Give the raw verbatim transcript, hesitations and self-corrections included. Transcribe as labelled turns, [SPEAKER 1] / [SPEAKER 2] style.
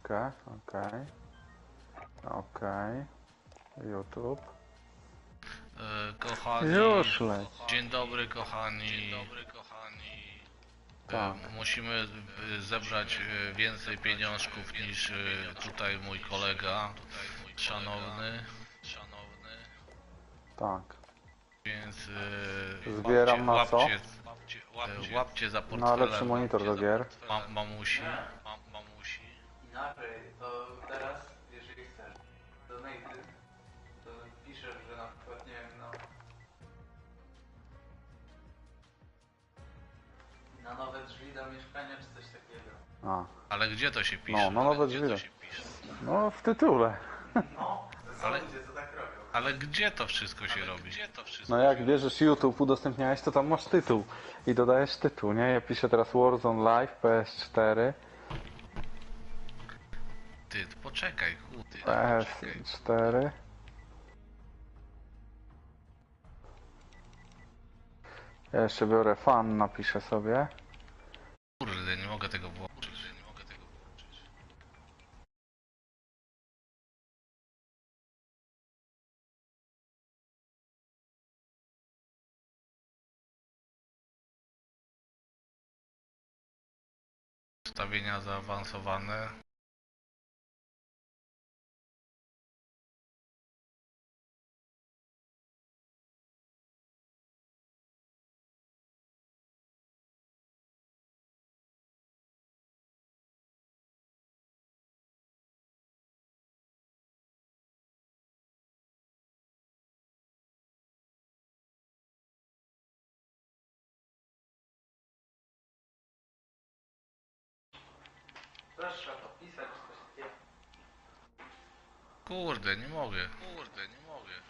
[SPEAKER 1] chwilkę, okej. Okej. YouTube.
[SPEAKER 2] E, kochani,
[SPEAKER 1] Już leć.
[SPEAKER 2] dzień dobry kochani. Dzień dobry kochani.
[SPEAKER 1] Tak.
[SPEAKER 2] E, musimy e, zebrać e, więcej pieniążków niż e, tutaj mój kolega szanowny. Szanowny.
[SPEAKER 1] Tak.
[SPEAKER 2] Więc e,
[SPEAKER 1] Zbieram na co?
[SPEAKER 2] łapcie, łapcie, łapcie, łapcie za portfelem.
[SPEAKER 1] Na lepszy monitor do gier.
[SPEAKER 2] Ma, mamusi. Ma, mamusi.
[SPEAKER 3] Inaczej, to teraz, jeżeli chcesz, donate, to piszesz, że na przykład, nie wiem, no... Na nowe drzwi do mieszkania, czy coś takiego.
[SPEAKER 1] A.
[SPEAKER 2] Ale gdzie to się pisze?
[SPEAKER 1] No, no
[SPEAKER 2] Ale
[SPEAKER 1] nowe
[SPEAKER 2] gdzie
[SPEAKER 1] drzwi.
[SPEAKER 2] to się pisze?
[SPEAKER 1] No w tytule.
[SPEAKER 3] No, to są
[SPEAKER 2] Ale-
[SPEAKER 3] ludzie, co tak robią.
[SPEAKER 2] Ale gdzie to wszystko się robi? Gdzie to wszystko
[SPEAKER 1] No jak bierzesz YouTube, udostępniałeś, to tam masz tytuł. I dodajesz tytuł, nie? Ja piszę teraz Warzone Live, P S cztery.
[SPEAKER 2] Ty, poczekaj, chudy.
[SPEAKER 1] P S cztery. Ja jeszcze biorę fan, napiszę sobie.
[SPEAKER 2] Kurde, nie mogę tego włączyć. Nie mogę tego włączyć. Ustawienia zaawansowane.
[SPEAKER 3] Też trzeba podpisać, czy coś takiego.
[SPEAKER 2] Kurde, nie mogę. Kurde, nie mogę.